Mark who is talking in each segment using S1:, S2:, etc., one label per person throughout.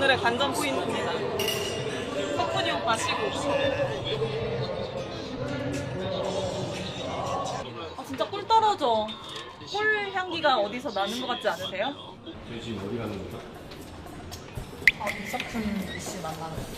S1: 오늘의 관전 포인트입니다. 석훈이 오빠 시구. 아 진짜 꿀 떨어져. 꿀 향기가 어디서 나는 것 같지 않으세요?
S2: 저희 지금 어디 가는 거죠?
S1: 이석훈 씨 만나는 거.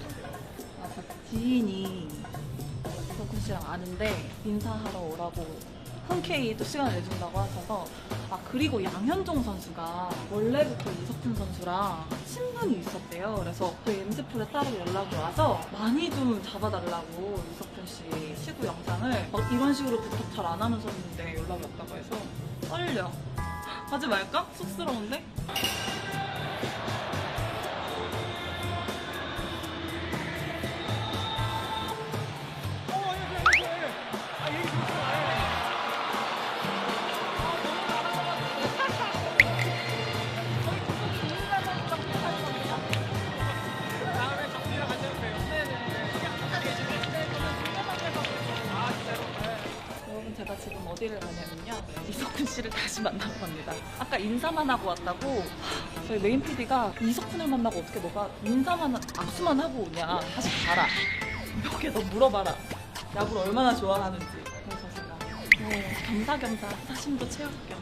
S1: 지인이 이석훈 씨랑 아는데 인사하러 오라고 흔쾌히 또 시간을 내준다고 하셔서. 그리고 양현종 선수가 원래부터 이석훈 선수랑 친분이 있었대요. 그래서 저희 엠스풀에 따로 연락이 와서 많이 좀 잡아달라고 이석훈 씨 시구 영상을 이런 식으로 부탁 잘 안 하면서 했는데 연락이 왔다고 해서 떨려. 하지 말까? 쑥스러운데? 제가 지금 어디를 가냐면요, 이석훈 씨를 다시 만나러 갑니다. 아까 인사만 하고 왔다고. 저희 메인 PD가 이석훈을 만나고 어떻게 너가 인사만 악수만 하고 오냐, 다시 가라, 몇 개 더 물어봐라, 야구를 얼마나 좋아하는지. 그래서 제가 겸사겸사 사심도 채울 겸.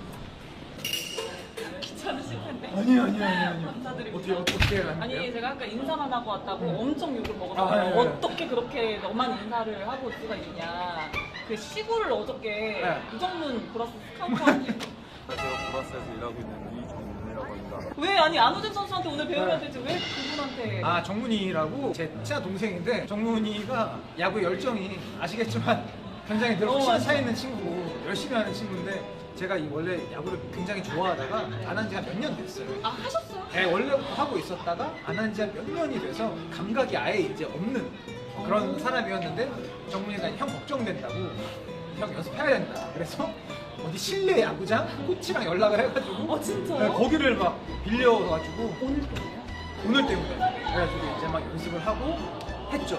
S1: 귀찮으실 텐데.
S2: 아니요.
S1: 감사드립니다.
S2: 어떻게 가는데요?
S1: 아니 제가 아까 인사만 하고 왔다고 엄청 욕을 먹었어요.
S2: 네.
S1: 어떻게 그렇게 너만 인사를 하고 올 수가 있냐. 그 시구를 어저께 이정문 보라스 스카우트한테.
S3: 제가 보라스에서 일하고 있는 이정문이라고 합니다.
S1: 왜 아니 안우진 선수한테 오늘 배우면 되지 왜 그분한테.
S2: 정문이라고 제 친한 동생인데, 정문이가 야구 열정이 아시겠지만 굉장히 늘 확실한 차 있는 친구고 열심히 하는 친구인데, 제가 원래 야구를 굉장히 좋아하다가 안 한 지 한 몇 년 됐어요.
S1: 하셨어요?
S2: 네, 원래부터 하고 있었다가 안 한 지 한 몇 년이 돼서 감각이 아예 이제 없는 그런 사람이었는데, 정문이가 형 걱정된다고, 형 연습해야 된다, 그래서 어디 실내 야구장 코치랑 연락을 해가지고
S1: 진짜요?
S2: 네, 거기를 막 빌려가지고
S1: 오늘 때문에요?
S2: 오늘 때문에 그래가지고 이제 막 연습을 하고 했죠.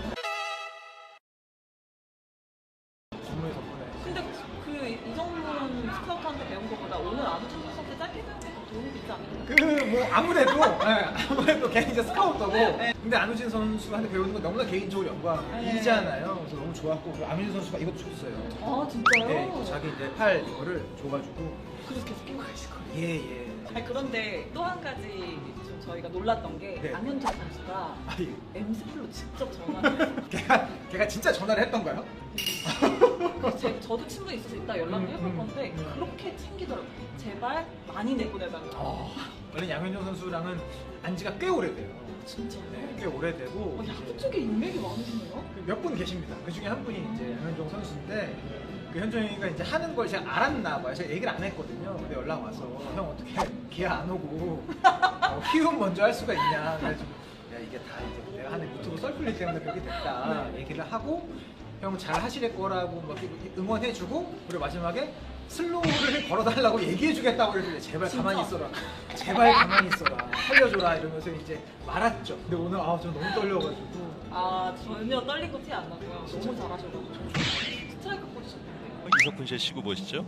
S2: 정문이 덕분에.
S1: 근데 그 이정문 스카우트한테 배운 것보다 오늘 안우진 선수한테 짧게 배운 게 더 도움이 되지 않을까요?
S2: 뭐 아무래도 걔 이제 스카우터고. 근데 안우진 선수한테 배우는 건 너무나 개인적으로 영광이잖아요. 그래서 너무 좋았고, 그리고 안우진 선수가 이것도 줬어요.
S1: 진짜요?
S2: 네, 자기 이제 팔 이거를 줘가지고.
S1: 그래서 계속 끼고 계실 거예요?
S2: 예.
S1: 그런데 또 한 가지 좀 저희가 놀랐던 게,
S2: 네.
S1: 안현종 선수가
S2: 예.
S1: 엠스플로 직접 전화를
S2: 걔가 진짜 전화를 했던가요?
S1: 저도 친분이 있어서 이따 연락을 해볼 건데 그렇게 챙기더라고요. 제발 많이 내보내달라고.
S2: 원래 양현종 선수랑은 안지가 꽤 오래돼요.
S1: 진짜요?
S2: 네, 꽤 오래되고
S1: 야구 쪽에 인맥이 많으시네요?
S2: 몇 분 계십니다. 그 중에 한 분이 이제 양현종 선수인데, 그 현종이가 이제 하는 걸 제가 알았나 봐요. 제가 얘기를 안 했거든요. 근데 연락 와서, 형 어떻게 기아 안 오고 키움 먼저 할 수가 있냐. 그래가지고 야, 이게 다 이제 내가 하는 유튜브 썰풀리 때문에 그렇게 됐다 얘기를 하고, 형 잘 하실 거라고 막 응원해주고, 그리고 마지막에 슬로우를 걸어달라고 얘기해주겠다고 그랬는데, 제발
S1: 진짜?
S2: 가만히 있어라, 제발 가만히 있어라, 살려줘라 이러면서 이제 말았죠. 근데 오늘 저 너무 떨려가지고.
S1: 전혀 떨리고 티 안 나고요. 너무 잘하셔가지고 스트라이크 꽂으셨는데.
S3: 이석훈 씨의 시구 보시죠.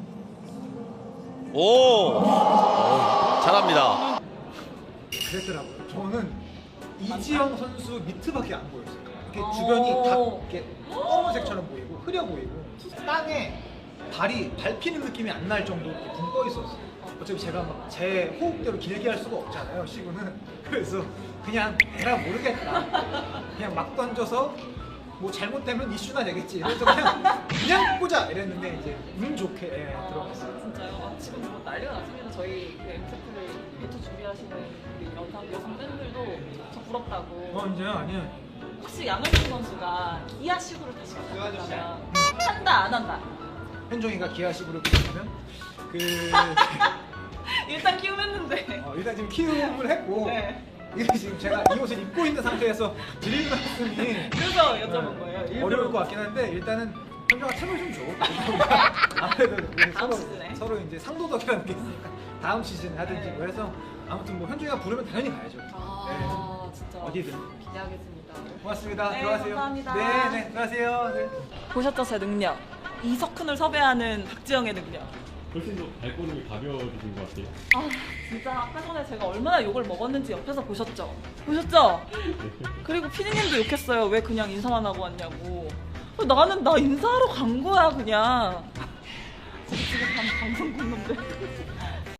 S3: 오! 잘합니다.
S2: 그랬더라고요. 저는 이지영 선수 미트밖에 안 보였어요. 이렇게 주변이 다 이렇게 검은색처럼 보이고 흐려 보이고, 땅에 발이 밟히는 느낌이 안 날 정도로 이렇게 붕 떠 있었어요. 어차피 제가 막 제 호흡대로 길게 할 수가 없잖아요, 시구는. 그래서 그냥 에라 모르겠다, 그냥 막 던져서 뭐 잘못되면 이슈나 되겠지, 그래서 그냥 꽂아 이랬는데, 이제 운 좋게 들어갔어요.
S1: 진짜요? 지금 뭐 난리가 났습니다. 저희 그 엠스플을 배투 준비하시는 우리 여성 팬들도 저 부럽다고.
S2: 이제 아니야.
S1: 혹시 양현종 선수가 기아 시구를 다시 부탁한다면 한다 안 한다?
S2: 현종이가 기아 시구를 부탁하면
S1: 일단 키움했는데.
S2: 일단 지금 키움을 했고,
S1: 네.
S2: 이게 지금 제가 이 옷을 입고 있는 상태에서 드릴 말씀이
S1: 그래서 여쭤본 거예요. 일부러.
S2: 어려울 것 같긴 한데, 일단은 현종아 템을 좀 줘. 아무래도 우리
S1: 다음 시즌에.
S2: 서로 이제 상도덕이라는 게 있으니까 다음 시즌에 하든지 뭐 해서, 아무튼 뭐 현종이가 부르면 당연히 가야죠.
S1: 진짜
S2: 어디든.
S1: 기대하겠습니다.
S2: 고맙습니다.
S1: 네,
S2: 들어가세요.
S1: 감사합니다.
S2: 네, 들어가세요. 네.
S1: 보셨죠, 제 능력. 이석훈을 섭외하는 박지영의 능력.
S4: 훨씬 더 발걸음이 가벼워지신 것 같아요.
S1: 아 진짜 아까 전에 제가 얼마나 욕을 먹었는지 옆에서 보셨죠? 보셨죠? 그리고 피디님도 욕했어요. 왜 그냥 인사만 하고 왔냐고. 나는 나 인사하러 간 거야 그냥. 지금 방송 본 놈들.